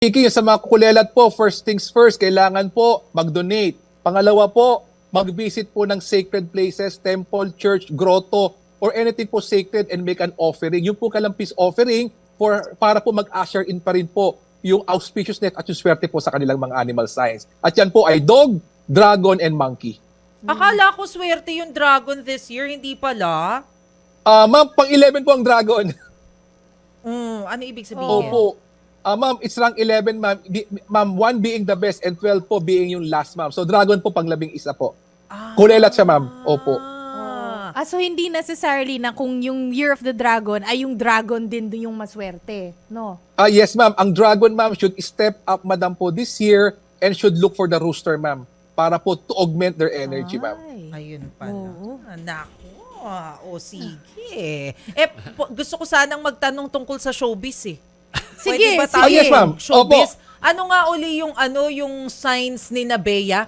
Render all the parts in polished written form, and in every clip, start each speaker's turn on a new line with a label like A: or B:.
A: Speaking sa mga kukulelat po, first things first, kailangan po mag-donate. Pangalawa po, mag-visit po ng sacred places, temple, church, grotto, or anything po sacred and make an offering. Yung po kalang peace offering para po mag-usher in pa rin po yung auspiciousness at yung swerte po sa kanilang mga animal signs. At yan po ay dog, dragon, and monkey.
B: Akala ko swerte yung dragon this year, hindi pala.
A: Ma'am, pang 11 po ang dragon.
B: Ano ibig sabihin?
A: Opo. Ma'am, it's rank 11, ma'am. Ma'am, 1 being the best and 12 po being yung last, ma'am. So, dragon po pang 11 po. Kulelat siya, ma'am. Opo.
C: So hindi necessarily na kung yung Year of the Dragon ay yung dragon din yung maswerte, no?
A: Yes, ma'am. Ang dragon, ma'am, should step up, madam po, this year and should look for the rooster, ma'am, para po to augment their energy, ma'am.
B: Ayun pala.
C: Oo.
B: Naku. Sige. Gusto ko sanang magtanong tungkol sa showbiz eh.
C: Sige,
B: Pwede ba tayo?
A: yes, ma'am.
B: Showbiz.
A: Opo.
B: Ano nga uli yung signs ni Nabea?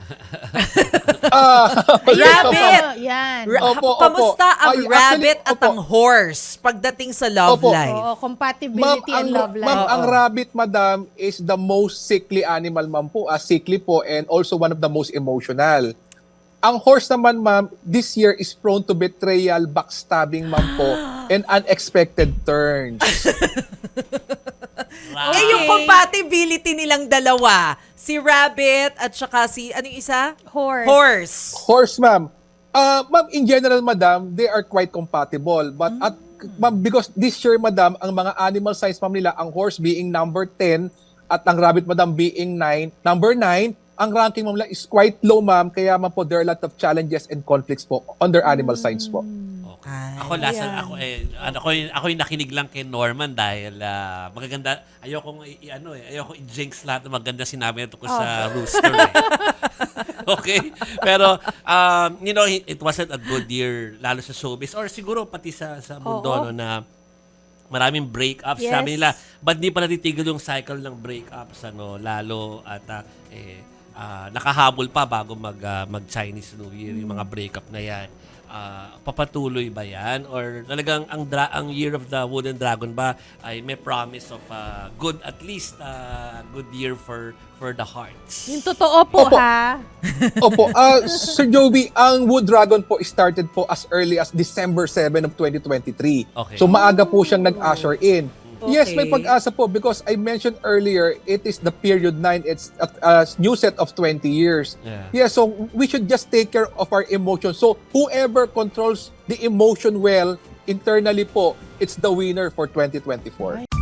C: Rabbit! Yan.
A: Opo, opo.
B: Kamusta ang
A: Ay,
B: rabbit
A: actually,
B: at ang horse pagdating sa love
A: Opo.
B: life?
C: Oo, compatibility and love life.
A: Ma'am, ang rabbit, madam, is the most sickly animal, ma'am po. Sickly po and also one of the most emotional. Ang horse naman, ma'am, this year is prone to betrayal, backstabbing, ma'am po, and unexpected turns.
B: Eh, yung compatibility nilang dalawa, si rabbit at saka si, ano yung isa?
C: Horse.
B: Horse.
A: Horse, ma'am. Ma'am, in general, madam, they are quite compatible. But ma'am, because this year, madam, ang mga animal signs, ma'am, nila, ang horse being number 10 at ang rabbit, madam, being number 9, ang ranking, ma'am, nila is quite low, ma'am. Kaya, ma'am po, there are a lot of challenges and conflicts po on their animal signs po.
D: Okay. Ako yung nakinig lang kay Norman dahil magaganda. Ayokong i-jinx lahat ng maganda sinabi tungkol sa rooster. Okay? Pero it wasn't a good year lalo sa showbiz or siguro pati sa mundo no, na maraming breakups.
C: Yes.
D: Sabi nila, ba't di pa natitigil yung cycle ng breakups lalo at nakahabol pa bago mag Chinese New Year yung mga breakup na yan. Papatuloy ba yan? Or talagang ang Year of the Wooden Dragon ba ay may promise of good, at least good year for the hearts?
C: Yung totoo po,
A: Opo.
C: ha?
A: Opo. Sir Joby, ang Wood Dragon po started po as early as December 7 of 2023.
D: Okay.
A: So maaga po siyang nag-usher in. Yes, may
B: Okay.
A: pag-asa po because I mentioned earlier, it is the period 9. It's a new set of 20 years.
D: Yeah.
A: So we should just take care of our emotions. So whoever controls the emotion well, internally po, it's the winner for 2024.